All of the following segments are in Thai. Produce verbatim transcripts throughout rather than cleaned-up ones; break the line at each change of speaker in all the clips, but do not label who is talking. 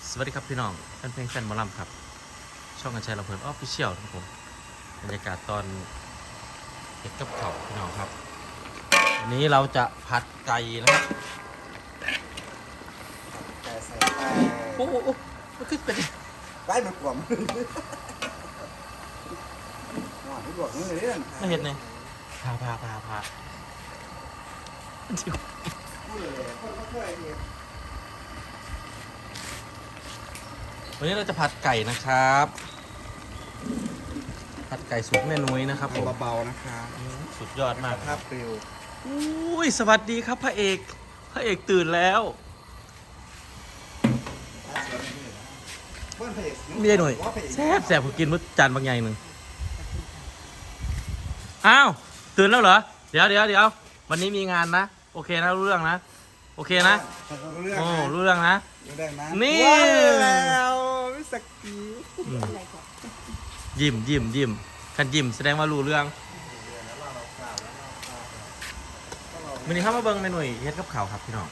สวัสดีครับพี่น้องแฟนเพลงแฟนหมอลำครับช่องกันชัยลำเพลินออฟฟิเชียลครับผมบรรยากาศตอนเก็บกับเขาพี่น้องครับวันนี้เราจะผัดไก่นะครับ
แต่ใส่ไก่
โอ้โหมันขึ้นเป็น
ไก่มันกลมหวานที่บอกนี่เลยเนี่ย
ไม่เห็นเลยพาพาพาพา
พูดเลยคนก็เคยเห็น
วันนี้เราจะผัดไก่นะครับผัดไก่สูตรแม่นุ้ยนะครับผม
เบาๆนะคะ
สุดยอดมาก
ภาพปลิว
อุ้ยสวัสดีครับพระเอกพระเอกตื่นแล้ว
เพื่อนเพจ
เมียหน่อยแซ่บแซ่บผมกินมื้อจานบางใหญ่หนึ่งอ้าวตื่นแล้วเหรอเดี๋ยวเดี๋ยวเดี๋ยววันนี้มีงานนะโอเคนะรู้เรื่องนะโอเคนะ
เรื่อง
โอ้รู้เรื่องนะ
รู้ได้นะ
นี่
แล้ววิสกี
อืมยิ้มยิ้มยิ้มคันยิ้มแสดงว่ารู้เรื่องวันนี้เข้ามาเบิ้งเมนูเฮ็ดกับข้าวครับพี่น้อง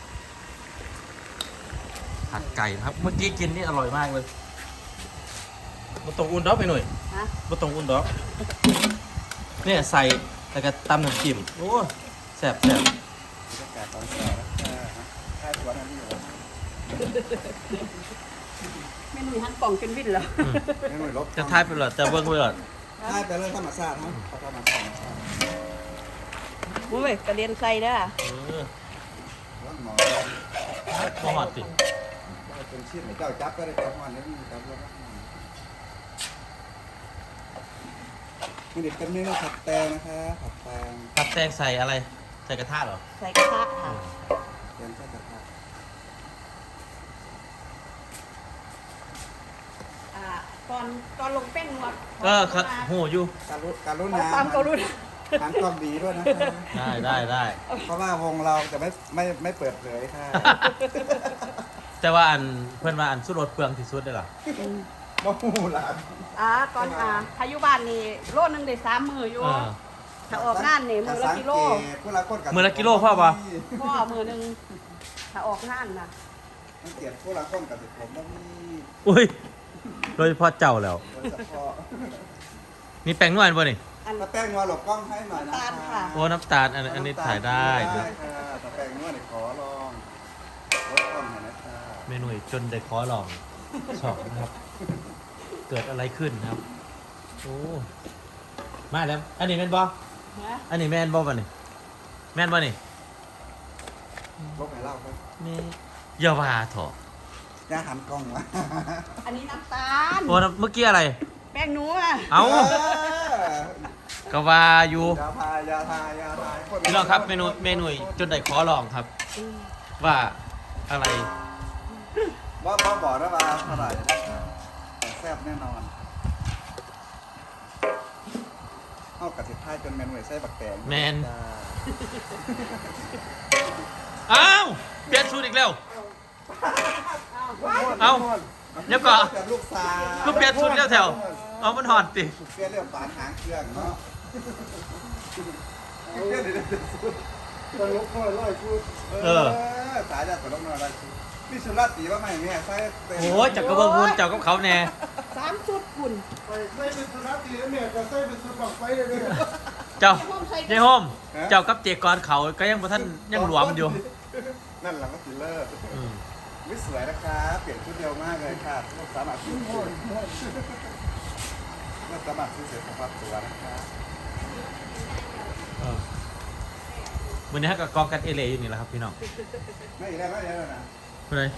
ผัดไก่นะครับเมื่อกี้กินนี่อร่อยมากเลยบะตรงอุ่นดอกไปหน่อย
ฮะ
บะตรงอุ่นดอกเนี่ยใส่แล้วก็ตำน้ำจิ้มโอ้แซ่บแซ่บ
บรรยากาศตอนเช้าแล้วค่าสวนนั่นนี่อยู่
เมนูฮันป่องจนวิ่นเหรอ
อืม
ไม่หน่วยลบ
จะทายไปหรอจะเบิ้งไปหรอ
ทายไปเรื่องธรรมชาติฮะเขาธรรมชาติ
อุ้ยกระเด็นใส่เด้อ
เออ
ว่าหมอ
มาหอดติ
เป็นชิ้นไหนเจ้าจับก็ได้จับมันนี่จับแล้วนี่เด็กเป็นเมนูผัดแตงนะคะผัดแตง
ผัดแตงใส่อะไรใส่กระทะเหรอ
ใส่กระทะค่ะ
แตงใส่กระทะ
อ่าตอนตอนลงแป้งหมด
เออครับโหอยู่
การุการุ
ขอ
ณา
ความกรุณา
ทานความดีด้วยนะคะ
ได้ได้ได้
เพราะว่าวงเราจะไม่ไม่ไม่เปิดเผยค่ะ
แต่ว่าอันเพื่อนว่าอันสุดรถเปลืองที่สุดเลยเหรอ
มะฮูหลาน
อ่าตอนอ่าพายุบ้านนี่โลนึงได้สามมืออยู่
เออ
ถ้าออกงานนี่มือละกิโล
ผู้ละคนกับ
มื้อละกิโลพ่อปะ
พ่อมือหนึงถ้าออกงานน่ะ
มันเกลียดผู้ละคนกับสิผมต้องมี
อุ้ยโดยเฉพาะเจ้าแล้ว
โดยเฉพาะ
มีแป้งนวลป่ะนี่
อัน
ถ้าแป้งนัวหลบกล้องให้หน่อยนะ
น้ำตาลค่ะ
โอ้น้ำตาลอันอันนี้ถ่ายได้
ได้ค่ะถ้าแป้งนัวเนี่ยขอลองลดกล้องหน่อยนะคะ
เมนูจนได้ขอลองชอบนะครับ เกิดอะไรขึ้นครับโอ้มาแล้วอันนี้แมนบอ
ฮะ
อันนี้แมนบอป่ะนี่แมนบอนี่
ลบให้เล่าครับ
นี่อย่าว่าเถอะ
อย่าหันกล้องวะ
อันนี้น้ำตาล
โอ้เมื่อกี้อะไร
แป้งนัว
เอาก็ว่าอยู่
ยาทายยาทายยาทาย
พี่น้องครับเมนูเมนูจนได้ขอลองครับ ว่าอะไร
ว่าบ้าบอกนะว่าเท่าไหร่นะคะแต่แซ่บแน่นอนเอากระติบท้ายจนแมนเวยไส้บักแตง
แมน
จ้า
อ้าวเปลี่ยนชุดอีกแล้ว เอ้าเดี๋ยวก่อน
กับลูกสาว
ก็เปลี่ยนชุดแล้วแถวเอามันหอนติ
เปลี่ยนเรื่องฝานหางเครื่องเนาะเปลี่ยนเรื่องชุดตลกน้อยร้อยชุดเออสายจากตลกน้อยร้อยชุดพี่สุรัตน์ตีว่าไม่แม่ใส่เต็ม
โอ้ยจักกระเบื้องพูนเจ้ากับเขาแน่
สามชุดคุณ
ใส่เป็นสุนัขตีแล้วเนี่ยจะใส่เป็นสุนัขไฟเลยเนี่ย
เจ้าเจ้าโฮมเจ้ากับเจกรเขาก็ยังบ่ท่านยังหลวมอยู่
นั่นหลังก็ติเลอร์
อืม
วิสวยนะคะเปลี่ยนชุดเร็วมากเลยค่ะสามารถซื้อเมื่อสามารถซื้อเสร็จสภาพตัวนะคะ
เออวันนี้ฮะกับกองกันเอเลอยู่นี่แหละครับพี่น้อง
ไม่ได้ไม่ได้แล้วนะ
ไปเลย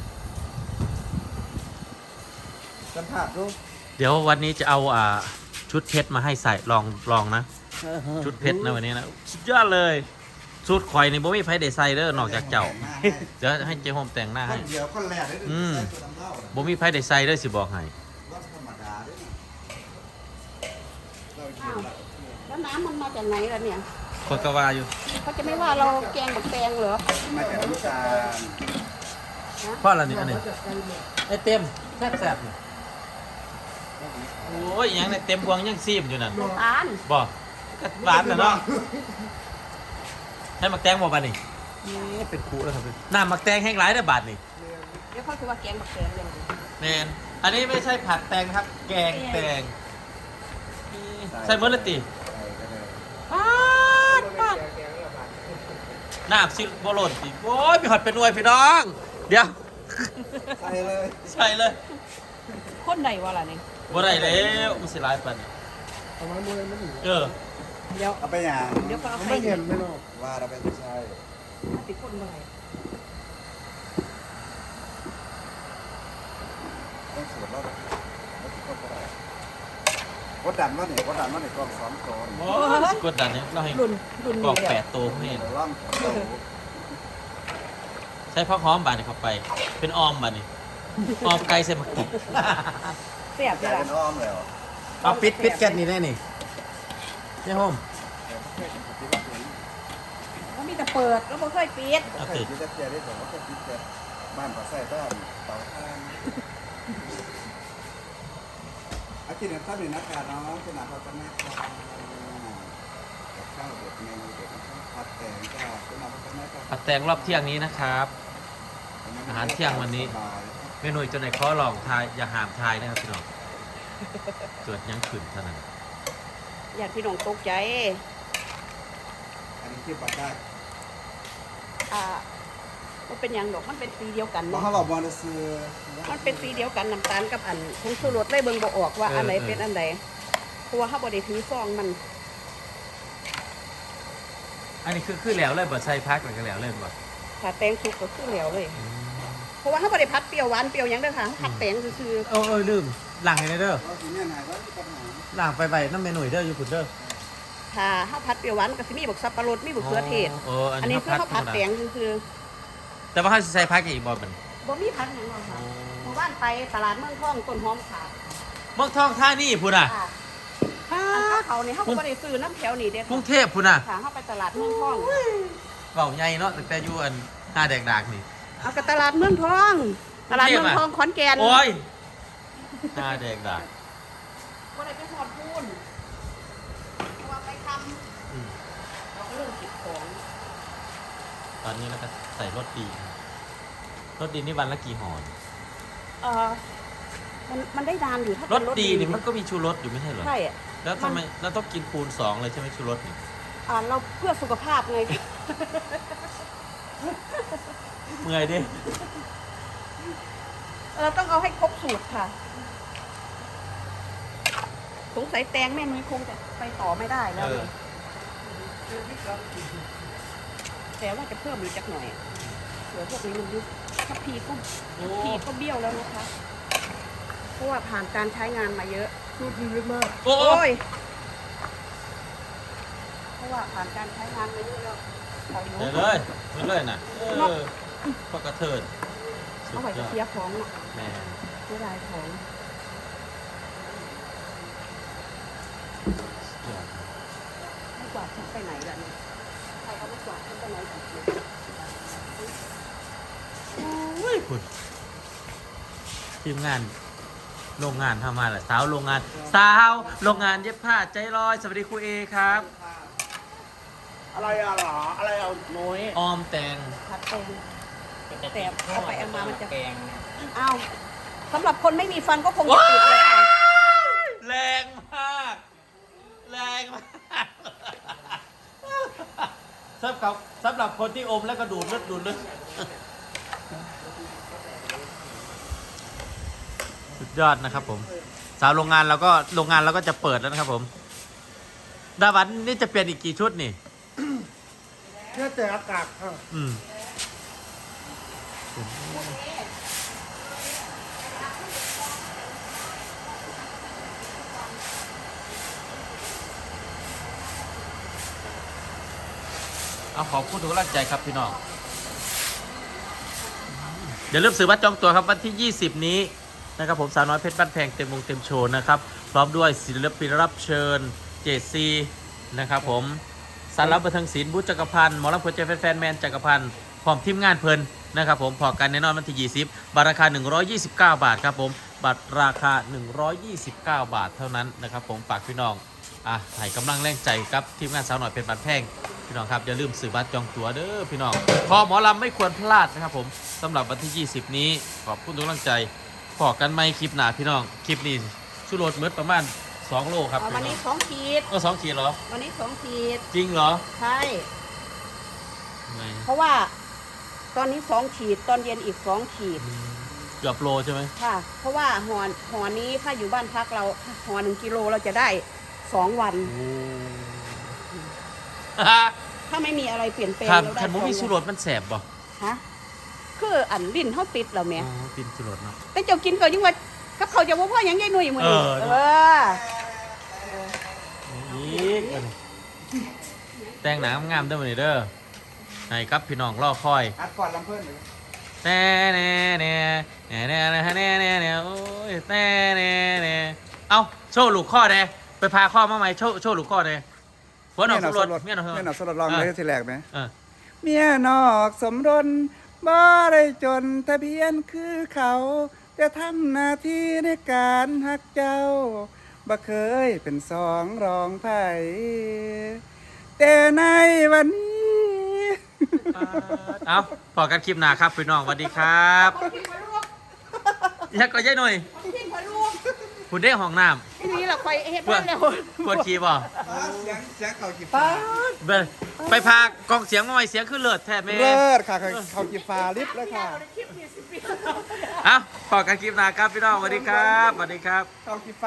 สัมผัสดู
เดี๋ยววันนี้จะเอาอ่าชุดเพชรมาให้ใส่ลองลองนะ ชุดเพชรนะวันนี้นะสุดยอดเลยชุดข่อยในบ่มีไผได้ใส่เด้อนอกจากเจ้าเดี๋ยวให้เจ้าโฮมแต่งหน้า
ค
ให้
นเดียวคนแรกได้
อืม
ใส่ตัวดำเล่าน่ะ
บ่มีไผได้ใส่เด้อสิบอกให้
ว่าธรรมดาด้วยนะเรา
อ้า
เกี่ยว
วแล้วน้ำมันมาจากไหนล่ะเนี่ย
คนก็ว่าอยู่
เขาจะไม่ว่าเราแกงบักแตงเหรอ
มาจากน้ำตาล
เพราะอะไรนี่อันนี้ไอ้เต็มแซ่บๆนี่โอ้ยยังในเต็มพวงยังซีมอยู่นั่น
ตาล
บ่ก็หวานน่ะเนาะให้มักแตงบ่บาดนี่นี่เป็นคูแล้วครับน้ำมักแตงแห้งหลายเด้อบาดนี่
เดี๋ยวดี๋ยวเขาคือว่าแกงบักแกงเลย
แมนอันนี้ไม่ใช่ผัดแตงนะครับ แกงแตงนี่ใส่เมอร์ลติ
ใส่ก็ได้
ปาดปาดน้ำซิบอลลนติโอ้ยมีหอดเป็นหน่วยพี่น้อง เดี๋ยว
ใส่เลย
ใส่เลย
คนไหนวะล่ะนี่
บ่ได้แล้วมันสิหลายปานนี้
ประมาณนี้ไม่ถึง
เออ
เดี๋ยว
เอาไปอย่าง
เดี๋ยวก็เอา
มัน
ไข่
ไม่เห็นไม่หรอก
ว่าเราไปไม่ใช่
ถ้าติดคนเมื่อไหร่
ต้องสวดแล้วแล้วติดก็ได้กดดันว่าเนี่ยกดดันว่าเนี่ยกองสองตัว
โอ้ยกดดันเนี่ยเราให้
รุ่นรุ่น
กร
นี้
อก
เดี
แป
ยว
ดตัวเห็น
เดี๋ยวล่องเดี๋ยว
ใช้ผักหอมบาดนี่เข้าไป เป็นออมบาดนี่ออมไก่ใส่หมักแตง
เสียบ
ก
เล
ลาย
ย
เป็นอ้อมเลยเหรอ
เอาปิดปิดแก๊สนี่ได้นี่นี่โฮม
เขามีแต่เปิดแล้วบ่เคยปิด
เอา
เคย
ติด
คิดจะเจอได้แต่ว่าเคยคิดจะบ้านก็ใส่ต้นเตาถ่านอากินข้าวหนึ่งนะคะน้องขนาดเราจะแม่ข้าวข้าวเด็ดเมนูเด็ดผัดแกงจ้าขนาดเราจะแม่ข้าว
ผัดแตงรอบเที่ยงนี้นะครับ อาหารเที่ยงวันนี้ เมนูจนในข้อลองทายอย่าหามทายนะครับพี่น้องเกิดยังขึ้นเท่านั้น
อยากพี่น้องตกใจ
อันนี้คิดว่าได้
อ่ามันเป็นอย่างดอกมันเป็นสีเดียวกัน
มา
เนาะ
เขาบอกว่าจะซื้อ
มันเป็นสีเดียวกันน้ำตาลกับอันผงชูรสเลยเบิ่งบ่ออกว่าอันไหนเป็นอันใดเพราะว่าเขาบ่ได้ถือซองมัน
อันนี้คือคือแล้วเลยบ่ใส่พักมันก็แล้วเลยบ่
ถ้าแตงสุกก็คือเหลวเลย เพราะว่าเขาบ่ได้พัดเปรี้ยวหวานเปรี้ยวหยังเด้อค่ะพัดแตงซื่อ
เออเออลืมหลังให้เด้อ
เราสิเนี่ยไหนว่าปัญหา
หลังไปไปน้ำเมนูเด้ออยู่พุ่นเด้อ
ๆถ้าเขาพัดเปรี้ยวหวานก็สิมีบักสับปะรดมีบักเขือเทศ
โอ้อัน
อัน
นี้
นี้คือเขาพัดแตงซื่อ
แต่ว่าเขาสิใส่พักอีกบ่มัน
ๆบ่มีพัดหยังหรอกค่ะหมู่บ้านไปตลาดเมืองทองต้นหอมขาด
เมืองทองท่านี่พุ่นอ่ะ
ค่ะอันข้าวเขานี่เขาก็บ่ได้ซื้อน้ำแถวนี่เด้อก
รุงเทพพุ่นอ่ะ
ค่ะเขาไปตลาดเมืองทอง
เว้าใหญ่เนาะตั้งแต่อยู่อันหน้าแดกดากนี่
เอากับตลาดเมืองทอง ตลาดเมืองทองขอนแก่น
โอ้ยหน้าแดกดาก
บ่ได้ไปหอดพูนเพราะว่าไปท
อืม
ำเราก็เรื่องเก็บของ
ตอนนี้เราก็ใส่รสดีรสดีนี่วันละกี่ห่อ
เออมันมันได้นานอยู่ถ้าร เป็
ส
น
ดีนี่มันก็มีชูรสอยู่ไม่ใช่เหรอ
ใช่อะ
แล้วทำไมเราต้องกินคูณสองเลยใช่ไหมชูรสนี่
อ่าเราเพื่อสุขภาพไง
เมื่อยดิ
เราต้องเอาให้ครบสูตรค่ะ สงสัยแตงแม่นุ้ยคงจะไปต่อไม่ได้แล้ว
เออ
แต่ว่าจะเพิ่มอีกจักหน่อยเดี๋ยวพวกนี้มันยุบทัพพีก็
โอ้
พีก็เบี้ยวแล้วนะคะ เพราะว่าผ่านการใช้งานมาเยอะ
สูตรดีมาก
โอ้
โอ้ย เพราะว่าผ่านการใช้งานมาเยอะแล้วเขาอยู่
เดี๋ยวเลยเดี๋ยวเลยน่ะเออพอกระเทินสุด
เอาไว้
ย
จะ
อด
เสียของอะ
แม่
เสียดายของ
สุดยอด
ไม่กวาดทิ้งไปไหนล่ะเนี่ยใครเอาไม่กวาดทิ้งไปไหนกันเนี่ย
โอ้ยคุณทีมงานโรงงานทำมาแหละสาวโรงงาน สาวโรงงานเย็บผ้าใจลอยสวัสดีครูเอครับ
อะไรอะหรออะไรเอาโน้ย
ออมแตง
ผัดแตงแต่เอาไปเอามามันจะแกงอ้าวสำหรับคนไม่มีฟันก็คงจะติดเลยค่ะ
แรงมาก แรงมากสำหรับสำหรับคนที่อมแล้วก็ดูดเลือดดูดเลือดสุดยอดนะครับผม สาวโรงงานเราก็โรงงานเราก็จะเปิดแล้วนะครับผม ดาวันนี่จะเปลี่ยนอีกกี่ชุดนี่
แค่แต่อากาศค่ะ
อืมเอาขอบคุณทุกกำลังใจครับพี่น้องอย่าลืมซื้อบัตรจองตั๋วครับวันที่ยี่สิบนี้นะครับผมสาวน้อยเพชรบ้านแพงเต็มวงเต็มโชว์นะครับพร้อมด้วยศิลปินรับเชิญเจซีนะครับผมสารบันเทิงศิลป์บุญจักรพันธ์หมอลำเพลินใจแฟนๆแมนจักรพันธ์พร้อมทีมงานเพลินนะครับผมพอกันแน่นอนวันที่ยี่สิบบัตรราคาหนึ่งร้อยยี่สิบเก้าบาทครับผมบัตรราคาหนึ่งร้อยยี่สิบเก้าบาทเท่านั้นนะครับผมฝากพี่น้องอ่ะให้กำลังแรงใจครับทีมงานสาวน้อยเพชรบ้านแพงพี่น้องครับอย่าลืมซื้อบัตรจองตั๋วเด้อพี่น้องคอหมอลำไม่ควรพลาดนะครับผมสำหรับวันที่ ยี่สิบ นี้ขอบคุณทุกกำลังใจพอกันไหมคลิปหน้าพี่น้องคลิปนี้ชูรสเมืดประมาณสองโลครับ
เอาวันนี้สองขีด
เออสองขีดเหรอ
วันนี้สองขีด
จริงเหรอ
ใช่
ไม่
เพราะว่าตอนนี้สองขีดตอนเย็นอีกสองขีด
เกือบโลใช่ไหม
ค่ะ เพราะว่าหอหอนี้ถ้าอยู่บ้านพักเราหอหนึ่งกิโลเราจะได้สองวัน
โอ้
ถ้าไม่มีอะไรเปลี่ยนแปลง
ครับ
เราได้
คันมุมี
ส
ชู
อง
ร
วั
สมันแสบบ่
ฮะคืออันลิ้นเขาติดแล้วแม่
อ๋อกินชูรสเนาะ
แต่เจ้ากินก็ยังว่ากับเขาจะว่าพ่อยังยายหนุ่ยมือนี้
เออ
เออ
อีกอันนี้แต่งหนังงามเด้อมื้อนี้เด้อให้ครับพี่น้องรอคอย
อัดก่อนลำเพิ่นเลย
แน่แน่แน่แน่แน่แน่แน่แน่แน่โอ้ยแน่แน่แน่เอาโชว์ลูกข้อแน่ไปพาข้อมาใหม่โชว์โชว์ลูกข้อแน่หัวหนอกสมรสเมียหนอกสมร
เมีย
ส
หนอกสลดลองเลยทีแรกไหม
เออ
เมียนอกสมรสบ่ได้จนทะเบียนคือเขาจะทำหน้าที่ในการหักเจ้าบ่เคยเป็นสองรองไผแต่ในวันนี้
เอาพอกันคลิปหน้าครับพี่น้องสวัสดีครับ
คนที่มาลวก
อยากก็ยัยหน่อย
คนที่มาลวก
คุณได้ห้องน้
ที่นี่เราคอยเฮ็ด
ำปว
บ้า
ด
นแล้ว
ปวดขี้บ่
เสียงเสียงเขากี
ป้า
ฟ้า
เบิ่งไปพากองเสียงมาใหม่เสียงขึ้นเลิศแท้แม่
เลิศค่ะเขากีฟ้าลิฟต์แล้วค่ะ
เอาพอกันคลิปหน้าครับพี่น้องสวัสดีครับสวัสดีครับ
เขากีฟ้า